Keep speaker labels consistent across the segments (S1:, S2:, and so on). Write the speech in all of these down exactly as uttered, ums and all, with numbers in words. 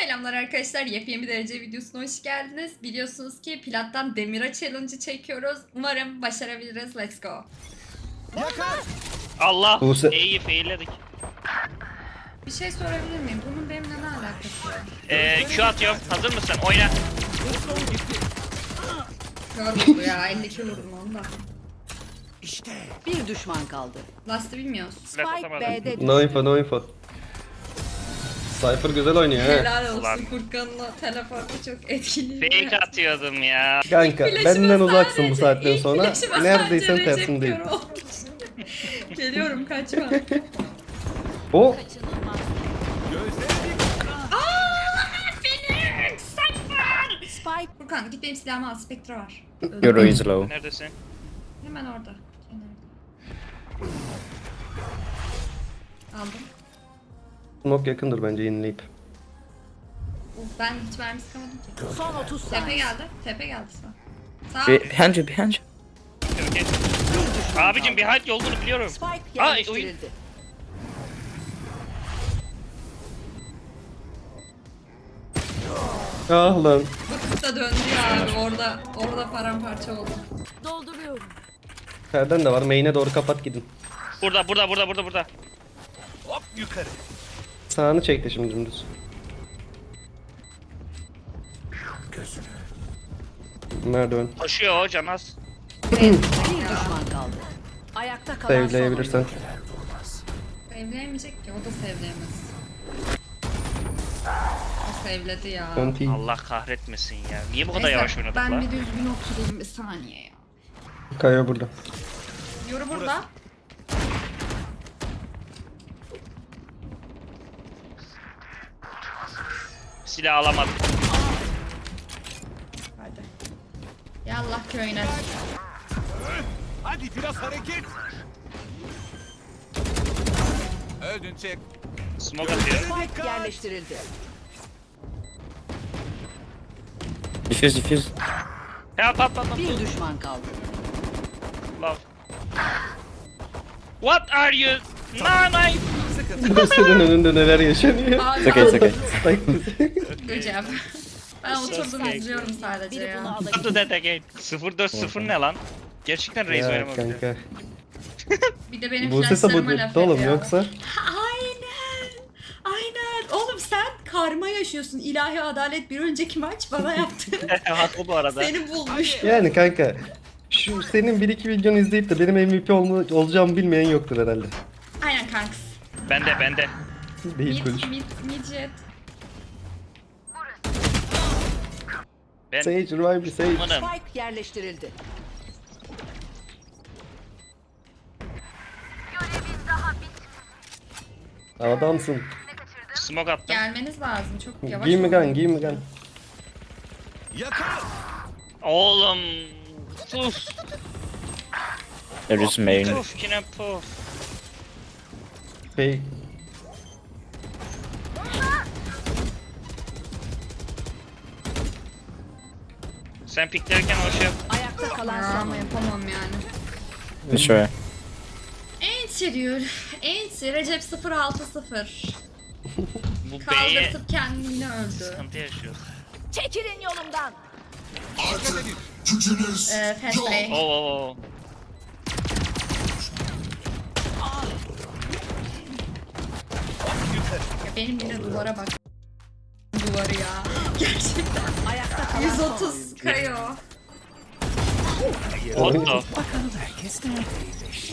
S1: Selamlar arkadaşlar, yepyeni bir derece videosuna hoş geldiniz. Biliyorsunuz ki Plat'tan Demira Challenge'ı çekiyoruz. Umarım başarabiliriz. Let's go.
S2: Yakar.
S3: Allah!
S4: Buse-
S3: İyi failledik.
S1: Bir şey sorabilir miyim? Bunun benimle ne alakası var?
S3: Ee, Q atıyorum. Hazır mısın? Oyna.
S1: Kör vurdu ya, elli iki vurdum onu da.
S2: İşte.
S5: Bir düşman kaldı.
S1: Last'ı bilmiyoruz.
S3: Laf
S5: Spike
S3: atamadım.
S5: B'de düştü.
S4: No info, no info. Cypher güzel oynuyor he.
S1: Helal olsun,
S3: Ulan.
S1: Furkan'la telefonda çok etkili.
S3: Fake atıyordum ya.
S4: Kanka
S1: Flaşıma
S4: benden uzaksın bu
S1: sadece-
S4: saatten
S1: ilk
S4: sonra.
S1: flaşıma
S4: Neredeysen
S1: sadece Recep
S4: tersindeyim.
S1: Kör olmuş. Geliyorum, kaçma.
S4: O
S2: Gözleri
S1: Phoenix! Cypher!
S5: Spike
S1: Furkan git benim silahımı al, Spectre var.
S6: Euro is low.
S3: Neredesin?
S1: Hemen orada. Kenarda. Aldım.
S4: smoke yakındır bence yenileyip.
S1: Uf, ben hiç mermi sıkamadım ki.
S5: son otuz
S1: Tepe
S5: saniye.
S1: geldi. Tepe geldi sağ. Sağ.
S6: Behind you, behind you.
S3: Okey. Abicim bir halt olduğunu biliyorum.
S5: Spike
S3: Aa,
S5: yerleştirildi.
S4: Ah lan.
S1: Bakıp da döndü ya abi, orada orada paramparça oldu.
S5: Dolduruyorum.
S4: Ferden de var. Main'e doğru kapat gidin.
S3: Burada, burada, burada, burada, burada.
S2: hop yukarı.
S4: Sağını çekti şimdi dümdüz.
S2: Gözünü.
S4: Merdiven.
S3: Koşuyor o Canaz.
S5: Bir düşman kaldı. Ayakta kalan son
S4: Sevleyebilirsen.
S5: oyuncu.
S1: Sevleyemeyecek ki, o da sevleyemez. O sevledi ya.
S4: Konti.
S3: Allah kahretmesin ya. Niye bu kadar
S1: Neyse,
S3: yavaş oynadık
S1: ben
S3: lan?
S1: bir düzgün oturayım bir saniye ya.
S4: Kaya burada.
S1: Yoru burada.
S3: Silah alamadım.
S1: Hadi. Yallah köyüne.
S2: Hadi biraz hareket. Öldün çek.
S3: Smoke atıyor.
S5: Spike yerleştirildi.
S6: Diffuse, diffuse.
S3: Help, help, help, help.
S5: Bir düşman kaldı.
S3: Love. What are you? No, no.
S4: Senin önünde neler yaşanıyor.
S1: Aa,
S6: It's okay, it's okay.
S1: Good job. Ben oturdum
S3: Sus.
S1: izliyorum sadece
S5: Biri bunu
S1: ya.
S5: alacak.
S3: Do that again. sıfır dört sıfır ne lan? Gerçekten Raze
S4: Ya
S3: oynamabiliyor.
S4: kanka.
S1: Bir de benim
S4: Bu sese bu
S1: flashlarıma laf
S4: etti oğlum
S1: ediyor.
S4: yoksa.
S1: Aynen. Aynen. Oğlum sen karma yaşıyorsun. İlahi adalet bir önceki maç bana yaptı.
S3: Haklı bu arada.
S1: Seni bulmuş.
S4: Yani kanka. Şu senin bir iki videonu izleyip de benim M V P olma, olacağımı bilmeyen yoktur herhalde.
S1: Aynen kanks.
S3: Bende, bende.
S4: Değil konuş.
S1: Mid, mid, mid jet.
S3: Ben
S4: Sage revive bir Sage.
S3: Amanım.
S5: Spike yerleştirildi.
S4: Adamsın.
S3: Smoke attım.
S1: Gelmeniz lazım. Çok yavaş.
S4: Give me
S1: olun.
S4: gun, give me gun.
S2: Yakar.
S3: Oğlum. Sus.
S6: There is main.
S3: Puf yine puf.
S4: Hey.
S3: Sen piklerken o şey yap.
S5: Ayakta kalan
S1: Ya,
S5: son
S1: ama
S5: oyuncu.
S1: yapamam yani.
S6: Sure.
S1: Enti diyor. Enti. Recep sıfır altı sıfır.
S3: Bu B'ye
S1: Kaldırtıp kendini öldü.
S3: sıkıntı yaşıyor.
S5: Çekilin yolumdan.
S1: Ee, fast break.
S3: Oo oo oo.
S1: Ya benim yine duvara bak. Duvarı ya. Gerçekten.
S5: Ayakta kalan
S1: yüz
S5: son
S1: otuz
S5: oyuncu.
S1: kayıyor.
S3: What the?
S2: Bakalım herkes neredeymiş.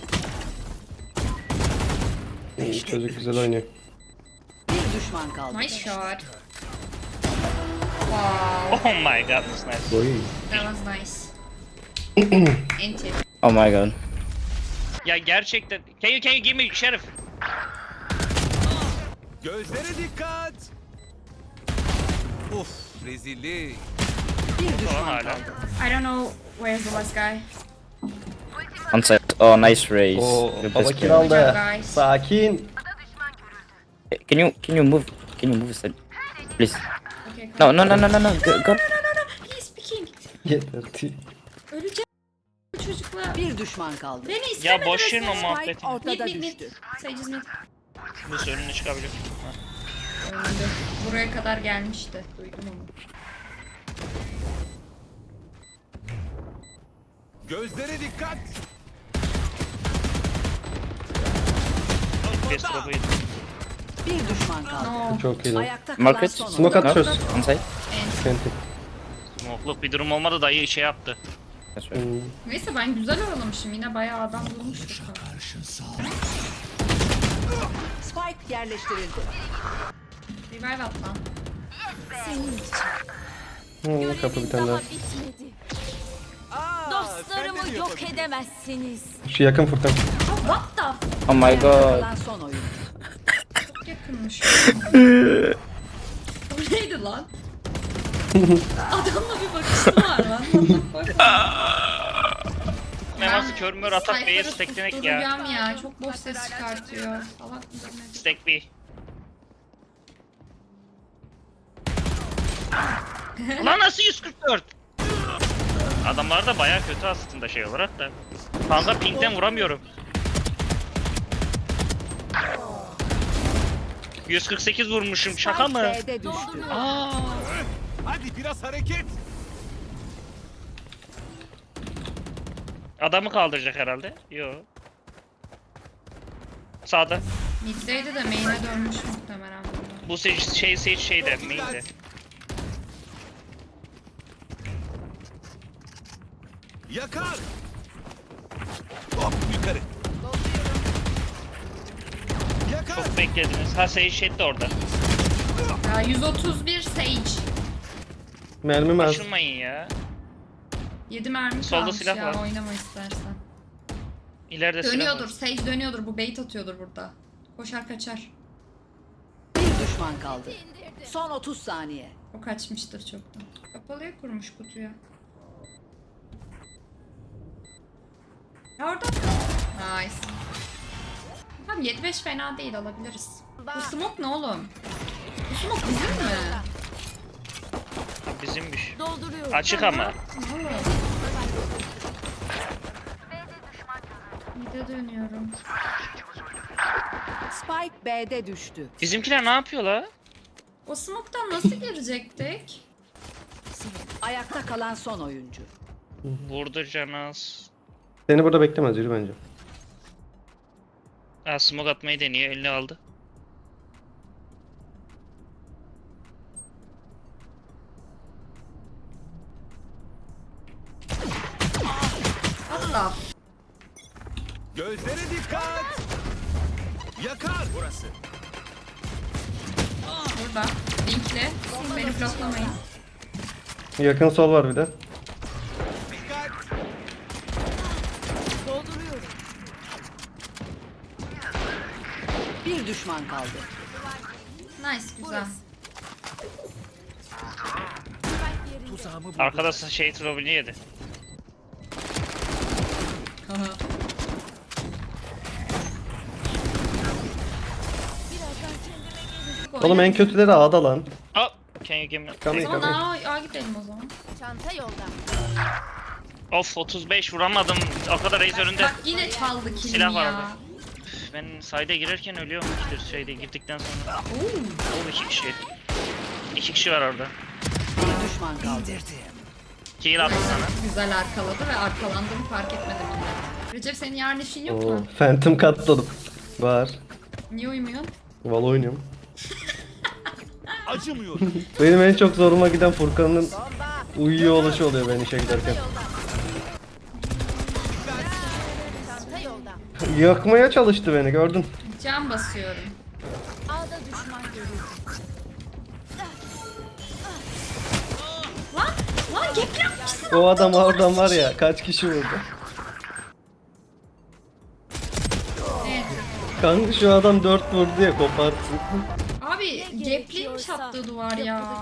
S4: Çocuk güzel oynuyor.
S5: Bir düşman kaldı.
S1: Nice shot. Wow.
S3: Oh my god, that's nice.
S4: Oy.
S1: That was nice. Enti.
S6: Oh my god.
S3: Ya gerçekten. Can you can you give me Şerif?
S2: Gözlere dikkat. Uf rezillik.
S5: Bir
S3: Falan
S5: düşman
S3: hala.
S5: kaldı.
S1: I don't know where's the last guy.
S6: On site. Oh, nice raise.
S4: Oo,
S6: The
S4: baba
S6: best
S4: kill
S6: player.
S4: aldı.
S1: Guys.
S4: Sakin.
S6: Can you can you move? Can you move side, please?
S1: Okay,
S6: No, no, no, no, no, no. Go, go.
S1: no, no, no. He's speaking.
S4: Yeter.
S1: Öleceğim bu çocukla.
S5: Bir düşman kaldı.
S1: Beni istemedi
S3: Ya boş
S1: resmen.
S3: verin o muhabbeti.
S5: Spike
S1: Mid
S5: ortada
S1: mid mid.
S5: düştü.
S1: Sage's mid.
S3: Bu önüne çıkabilir. Ha.
S1: Öldü. Buraya kadar gelmişti. Duydum onu.
S2: Gözlere dikkat.
S3: Best of eight.
S5: Bir düşman kaldı.
S1: No.
S4: Çok iyi lan.
S5: Ayakta kalan
S6: Market.
S5: son oyuncu.
S4: Smoke at
S6: No,
S4: çöz.
S6: on site.
S4: Senti.
S3: Smokeluk bir durum olmadı dayı şey yaptı.
S6: That's right.
S4: Hmm.
S1: Neyse ben güzel oyalamışım. Yine bayağı adam bulmuştuk.
S5: Spike yerleştirildi.
S1: Revive at lan.
S4: Hmm, kapı bir tane daha.
S7: bitmedi.
S2: Aa,
S7: Dostlarımı
S2: sen de mi
S7: yok
S2: yapabilirsin?
S7: edemezsiniz.
S4: Şu yakın Furkan.
S1: Oh, what the f-
S6: Oh my
S5: Ayakta
S6: god.
S5: kalan son oyuncu.
S1: Çok yakınmış. Bu neydi lan? Adamla bir bakışım var lan. What the fuck?
S3: Meması kör mör atak B'ye
S1: Cypher'ı
S3: steklemek ya.
S1: susturacağım ya. Çok boş ses çıkartıyor. Salak mıdır nedir?
S3: Stack B. Lan nasıl yüz kırk dört? Adamlar da bayağı kötü aslında şey olarak da. Kanka pingden vuramıyorum. yüz kırk sekiz vurmuşum şaka mı?
S5: Spike B'de düştü.
S3: Aa.
S2: Hadi biraz hareket.
S3: Adamı kaldıracak herhalde. Yo. Sağda.
S1: Mid'deydi de main'e dönmüş muhtemelen bunlar.
S3: Bu şey şey şey şeyde main'de.
S2: Yakar. Hop yukarı. Yakar.
S3: Çok beklediniz. Ha şey şey de orada.
S1: Ya yüz otuz bir Sage.
S4: Mermim az.
S3: Açılmayın ya.
S1: yedi mermi
S3: Solda
S1: kalmış
S3: silah
S1: ya.
S3: var.
S1: Oynama istersen.
S3: İleride silah
S1: Dönüyordur.
S3: var.
S1: Sage dönüyordur. Bu bait atıyordur burada. Koşar kaçar.
S5: Bir düşman kaldı. Son otuz saniye.
S1: O kaçmıştır çoktan. Kapalıya kurmuş kutuya. Ya orada. Nice. Tamam yedi beş fena değil, alabiliriz. Bu smoke ne oğlum? Bu smoke bizim mi?
S3: Bizimmiş.
S7: Dolduruyorum.
S3: Açık ama.
S1: Oğlum. Mide dönüyorum.
S5: Spike B'de düştü.
S3: Bizimkiler ne yapıyor la?
S1: O smoke'tan nasıl girecektik?
S5: Ayakta kalan son oyuncu.
S3: Vurdu Canaz.
S4: Seni burada beklemez yürü bence.
S3: Ha smoke atmayı deniyor. Elini aldı.
S1: Hatta.
S2: Gözlere dikkat. Yakar. Burası.
S1: Burada. Linkli. Beni bloklamayın.
S4: Yakın sol var bir de.
S2: Dikkat.
S5: Bir düşman kaldı.
S1: Nice, güzel.
S3: Arkada şey trollünü yedi.
S4: Oğlum en kötüleri A'da lan.
S3: Aa, can you give me?
S1: O
S4: Kamil
S1: zaman
S4: kamil.
S1: A, A gidelim o zaman.
S7: Çanta yolda.
S3: Of otuz beş vuramadım. O kadar reis önünde.
S1: Bak yine çaldı kilimi
S3: Silah var
S1: ya.
S3: orada. Ben sayda girerken ölüyorum işte şeyde girdikten sonra. Oo iki kişi. İki kişi var orada.
S5: Bir düşman kaldı.
S3: Kill attı sana.
S1: Güzel arkaladı ve arkalandığımı fark etmedim bile. Recep senin yarın işin yok
S4: Oo,
S1: mu?
S4: Phantom katladım. Var.
S1: Niye uyumuyorsun?
S4: Valla oynuyorum.
S2: Acımıyor.
S4: Benim en çok zoruma giden Furkan'ın uyuyor oluşu oluyor ben işe giderken.
S7: Çanta yolda.
S4: Yakmaya çalıştı beni gördün.
S1: Cam basıyorum.
S7: A'da düşman görüldü.
S1: Lan! Lan gepliyormuşsun!
S4: O adam oradan var ya kaç kişi vurdu.
S1: Evet.
S4: Kanka şu adam dört vurdu ya kopartsın.
S1: Abi gepliymiş attığı duvar ya.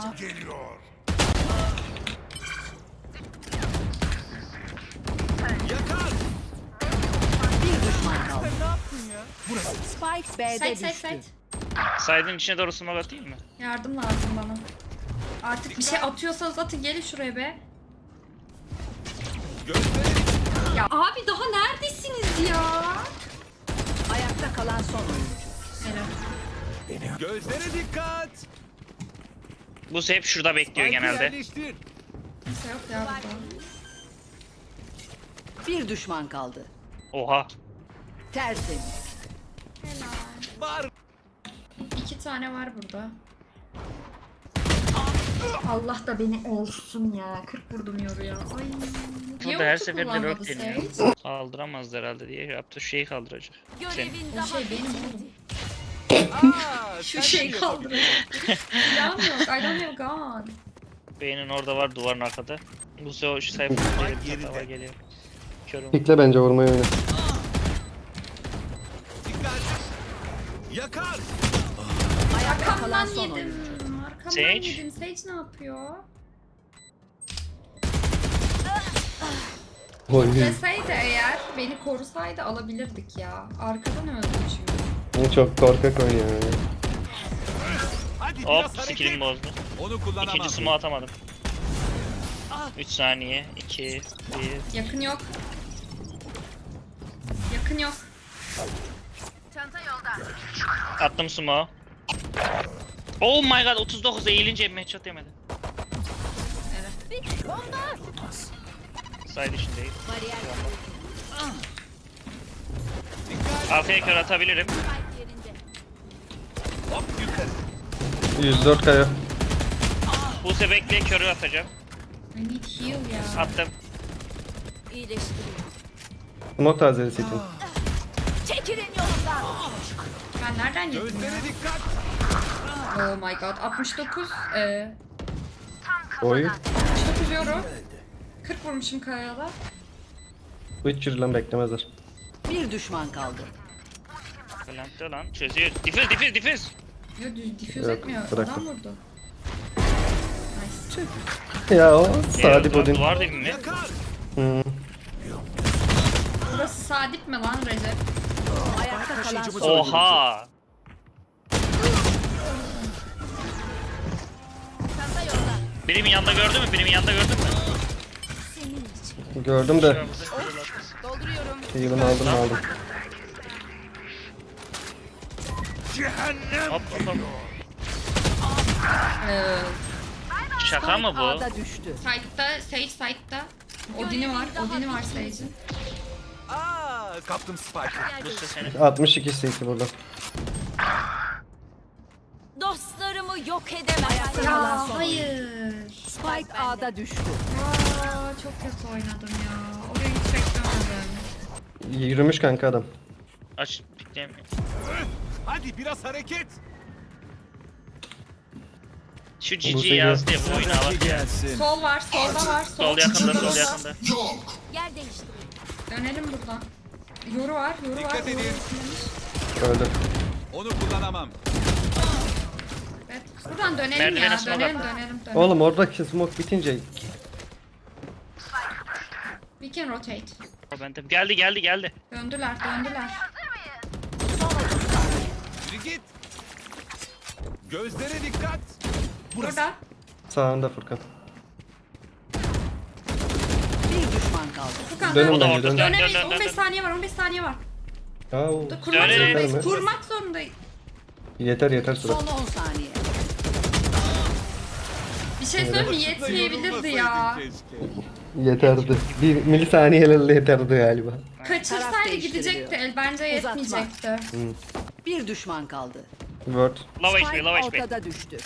S2: Yakar.
S5: Bir düşman kaldı. Spike B'de
S1: Sait sait
S5: düştü.
S1: sait.
S3: Saydın içine doğru smoke atayım mı?
S1: Yardım lazım bana. Artık bir şey atıyorsanız atın, gelin şuraya be.
S2: Gözlere dikkat.
S1: Ya abi daha neredesiniz ya?
S5: Ayakta kalan son oyuncu.
S1: Helal.
S2: Gözlere dikkat.
S3: Bu hep şurada bekliyor
S2: Spike'ı
S3: genelde.
S2: yerleştir.
S1: Kimse yok ya burada.
S5: Bir düşman kaldı.
S3: Oha.
S5: Tertemiz.
S2: Var.
S1: İki tane var burada. Allah da beni olsun ya. kırk vurdum yoruya. Ay. Niye
S3: Burada her
S1: ulti
S3: seferinde
S1: kullanmadı
S3: rök deniyor.
S1: Sage?
S3: Kaldıramaz herhalde diye yaptı. Şu şeyi kaldıracak. Sen.
S7: Görevin
S1: O
S7: daha
S1: şey benim oğlum.
S2: Aa,
S1: Şu
S2: sen
S1: şey
S2: de
S1: kaldırıyor. Silahım yok. I don't have gun.
S3: Beynin orada var, duvarın arkada. Bu sefer şu sayfa
S2: yerinde.
S3: hava geliyor. Körüm.
S4: Pikle bence vurmayı oyna.
S2: Dikkat. Yakar.
S5: Ayakta kalan
S1: Arkamdan
S5: son oyuncu.
S1: yedim. Arkamdan
S3: Sage.
S1: yedim. Sage ne yapıyor?
S4: Oy.
S1: Deseydi eğer beni korusaydı alabilirdik ya. Arkadan öldüm çünkü.
S4: Bu çok korkak oynuyor. ya.
S2: Hadi
S3: Hop,
S2: biraz hareket.
S3: skill'imi bozdu.
S2: Onu kullanamam.
S3: İkinci smoke atamadım. üç saniye. iki, bir.
S1: Yakın yok. Yakın yok.
S3: Attım smoke. Oh my god, otuz dokuz eğilince headshot yemedi.
S1: Evet.
S3: Side içindeyim.
S7: bariyer
S2: Dikkat.
S3: Arkaya kör atabilirim.
S7: spike yerinde.
S2: Hop yukarı.
S4: yüz dört kaya.
S3: Buse bekle, körü atacağım.
S1: I need heal ya.
S3: Attım.
S7: İyileştiriyor.
S4: Smoke tazelesi için.
S7: Çekilin yolumdan.
S1: Ben nereden yedim ya?
S2: Gözlere dikkat.
S1: Oh my god. altmış dokuz. Ee,
S4: Oy.
S1: altmış dokuz euro. kırk vurmuşum kayada.
S4: Bu hiç yürülen beklemezler.
S5: Bir düşman kaldı.
S3: Plant'te lan. Çözüyor. Difüz, difüz, difüz.
S1: Yo düz diffuse
S4: Yok,
S1: etmiyor.
S4: bıraktım.
S1: Adam vurdu. Nice.
S4: Ya o Sadi
S3: Ee,
S4: Bodin.
S3: Duvar dibi mi?
S2: Yakar.
S4: Hı.
S1: Burası Sadip mi lan Recep?
S5: Ayakta kalan son oyuncu.
S3: Oha.
S7: Çanta yolda.
S3: Birimin yanında gördün mü? Birimin yanında gördün mü?
S7: Senin için.
S4: Gördüm de.
S7: Dolduruyorum.
S4: Heal'ını aldım aldım.
S2: Cehennem.
S3: Hop hop hop.
S1: Ee,
S3: Şaka mı bu?
S5: A'da düştü.
S1: Side'da, Sage side'da. Odin'i var. Odin'i var Sage'in.
S2: Aa, kaptım Spike'ı.
S3: Buse seni.
S4: altmış iki C T burada.
S7: Dostlarımı yok edemem.
S5: Kalan
S1: Ya
S5: son
S1: hayır.
S5: Spike A'da düştü.
S1: Aa, çok kötü oynadım ya. Orayı hiç beklemedim.
S4: Yürümüş kanka adam.
S3: Aç. Pikleyemiyor.
S2: Hadi biraz hareket.
S3: Şu
S4: Buse
S3: G G
S4: gel.
S3: yazdı ya bu oyunu al.
S2: gelsin.
S1: Sol var, solda var. Sol,
S3: Sol yakında, sol yakında.
S7: Yer değiştirin.
S1: Dönelim buradan. Yoru var, yoru var.
S2: Dikkat
S1: Yoru
S2: edin.
S1: etkilemiş.
S4: Öldü.
S2: Onu kullanamam.
S1: Evet. Buradan dönelim
S3: Merdivene
S1: ya.
S3: smoke
S1: Dönelim,
S3: at.
S1: dönelim, dönelim.
S4: Oğlum oradaki smoke bitince
S1: We can rotate.
S3: O bende. Geldi geldi geldi.
S1: Döndüler, döndüler.
S2: Yürü git. Gözlere dikkat. Burası.
S1: Burada.
S4: sağında Furkan.
S5: Bir düşman kaldı.
S1: Furkan
S4: Dönün
S1: dön.
S3: O da
S4: bence
S3: orada.
S4: dön.
S3: Dön dön
S1: Dönemeyiz.
S3: dön dön.
S1: on beş
S3: dön.
S1: saniye var, on beş saniye var.
S4: Aa,
S1: Kurmak
S3: Dönelim.
S1: zorundayız.
S4: Yeter mi?
S1: Kurmak zorundayız.
S4: yeter yeter süre.
S5: Son on saniye.
S1: Bir şey söyleyeyim mi? Yetmeyebilirdi ya.
S2: Yorulmasaydın keşke.
S4: Yeterdi. Bir milisaniyelerle yeterdi galiba.
S5: Taraf
S1: Kaçırsaydı
S5: değiştiriliyor.
S1: gidecekti. El bence
S5: Uzatma.
S1: yetmeyecekti.
S5: Bir düşman kaldı.
S4: Word.
S3: Low H P,
S5: Spike
S3: low H P.
S5: ortada düştü.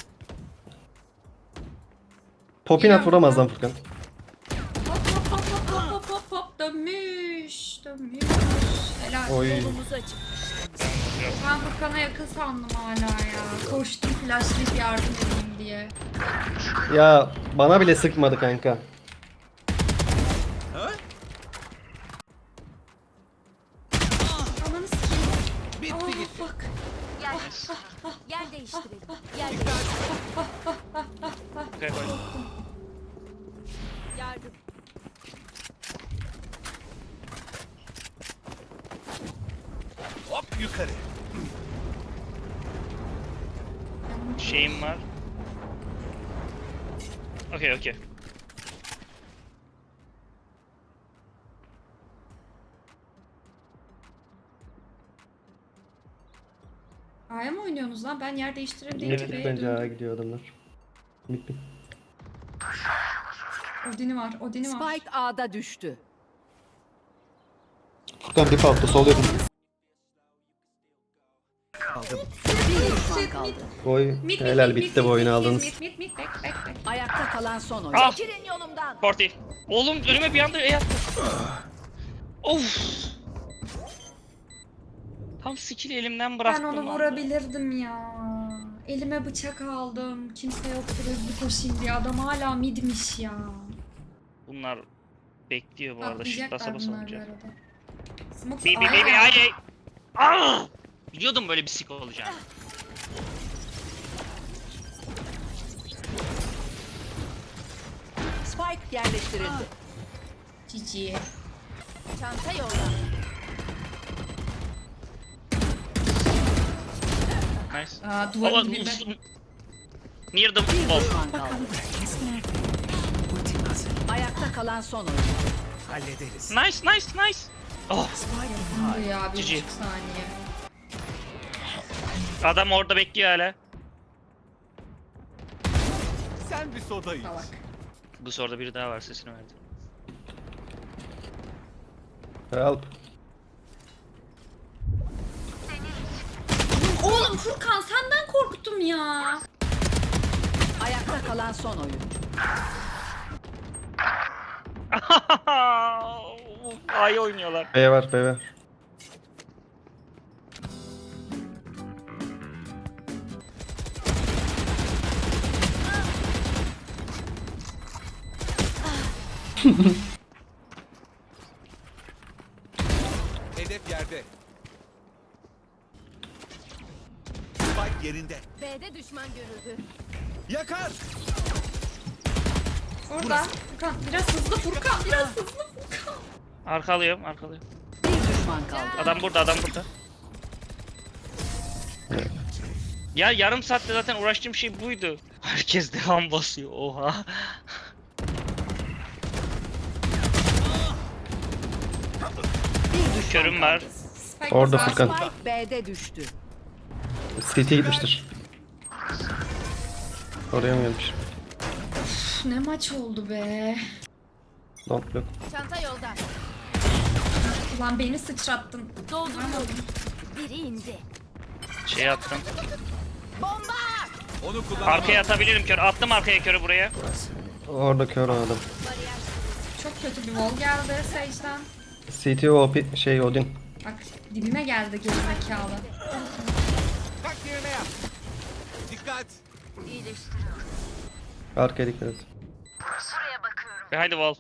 S4: Popinat vuramaz lan Furkan.
S1: Hop hop hop hop hop hop hop hop. Dönmüş. Dönmüş. Helal.
S4: Oy.
S7: Yolumuzu açık.
S1: Ben Furkan'a yakın sandım hala ya. Koştum flashlayıp yardım edeyim diye.
S4: Ya bana bile sıkmadı kanka.
S2: Ha?
S1: Ananı sikeyim.
S2: Bitti
S1: Oh
S2: gitti.
S1: fuck.
S7: Yer değiştirelim. Yer değiştirelim.
S3: Okay, koy.
S7: Yardım.
S2: Hop yukarı.
S3: Şeyim var. Okey okey.
S1: A'ya mı oynuyor? oynuyorsunuz lan? Ben yer değiştireyim diye
S4: Evet,
S1: ki B'ye
S4: bence
S1: döndüm.
S4: A'ya gidiyor adamlar. Mid mid.
S1: Odin'i var, Odin'i var.
S5: Spike A'da düştü.
S4: Furkan dip altta sol yakın.
S5: Bir düşman kaldı.
S4: Oy
S1: Mid, mid,
S4: helal
S1: mid,
S4: bitti
S1: mid,
S4: bu oyunu
S1: mid,
S4: aldınız.
S1: Mid mid mid back back back.
S5: Ayakta kalan son oyuncu.
S3: Ah!
S7: Çekilin yolumdan.
S3: Forty. Oğlum önüme bir anda E attı. Of. Tam skill'i elimden
S1: Ben
S3: bıraktım.
S1: onu
S3: lan.
S1: vurabilirdim ya. Elime bıçak aldım. Kimse yoktu hızlı koşayım diye. Adam hala midmiş ya.
S3: Bunlar bekliyor bu arada. Shift
S1: Atlayacaklar
S3: basa basa
S1: bunlar bu
S3: olacak.
S1: arada. Smoke
S3: Baby
S1: A'ya
S3: baby
S1: geldi.
S3: ay ay. Ah! Biliyordum böyle bir sik olacağını.
S5: Spike yerleştirildi.
S1: Cici.
S7: Çanta yolda.
S3: Nice.
S1: Aa,
S3: Baba
S1: duvarın dibinde.
S3: near the
S5: Bir
S3: wall.
S5: düşman kaldı. Ayakta kalan son oyuncu.
S2: Hallederiz.
S3: Nice nice nice. Oh,
S1: Bu ya bir
S3: Cici.
S1: buçuk saniye.
S3: adam orada bekliyor hala.
S2: Sen bir soda iç.
S1: Salak.
S3: Bu soruda biri daha var, sesini verdi.
S4: Help.
S1: Oğlum Furkan senden korktum ya.
S5: Ayakta kalan son oyuncu.
S3: A'yı oynuyorlar.
S4: B var B var.
S2: Hedef yerde. Spike yerinde.
S7: B'de düşman görüldü.
S2: Yakar.
S1: Orada. Furkan biraz hızlı Furkan. Biraz hızlı Furkan.
S3: Arkalıyorum arkalıyorum.
S5: Bir düşman kaldı.
S3: Adam burada adam burada. Ya yarım saatte zaten uğraştığım şey buydu. Herkes devam basıyor. Oha.
S5: Bir düşman
S3: Körüm var.
S1: Spike
S4: Orada
S1: var.
S4: Furkan.
S5: Spike B'de düştü.
S4: C T'ye gitmiştir. Oraya mı gelmiş?
S1: Üf, ne maç oldu be.
S4: Don't look.
S7: Çanta yolda.
S1: Ulan beni sıçrattın.
S7: Dolduruyorum. Biri indi.
S3: Şey attım.
S7: Bomba!
S2: Onu kullan.
S3: Arkaya atabilirim kör. Attım arkaya körü buraya.
S4: Orada kör o adam.
S1: Çok kötü bir wall geldi Sage'den.
S4: C T O P şey Odin.
S1: Bak dibime geldi gerizekalı.
S2: Tak yerine yap. Dikkat.
S4: Arkaya dikkat et.
S3: Ve haydi wall.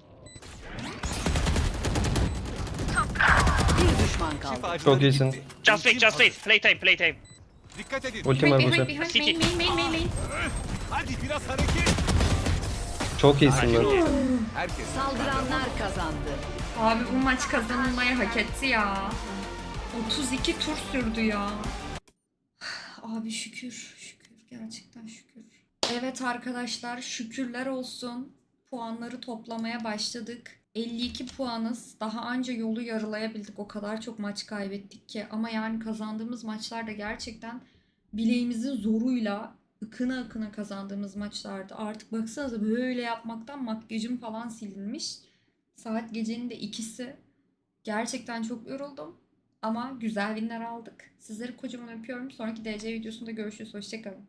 S5: Bir düşman kaldı.
S2: Şifacıları
S4: Çok iyisin.
S2: gitti.
S3: Just wait just wait. Playtime playtime.
S2: Dikkat edin.
S4: Ultim var
S1: Behind behind
S4: Buse.
S1: behind
S3: City.
S1: main main main main main.
S2: Hadi biraz hareket.
S4: Çok iyisin lan.
S2: Herkes.
S5: Saldıranlar kazandı.
S1: Abi bu maç kazanılmayı hak etti ya. otuz iki tur sürdü ya. Abi şükür, şükür. Gerçekten şükür. Evet arkadaşlar şükürler olsun. Puanları toplamaya başladık. elli iki puanız. Daha anca yolu yarılayabildik. O kadar çok maç kaybettik ki. Ama yani kazandığımız maçlar da gerçekten bileğimizin zoruyla ıkına ıkına kazandığımız maçlardı. Artık baksanıza böyle yapmaktan makyajım falan silinmiş. Saat gecenin de ikisi. Gerçekten çok yoruldum. Ama güzel winler aldık. Sizleri kocaman öpüyorum. Sonraki D C videosunda görüşürüz. Hoşçakalın.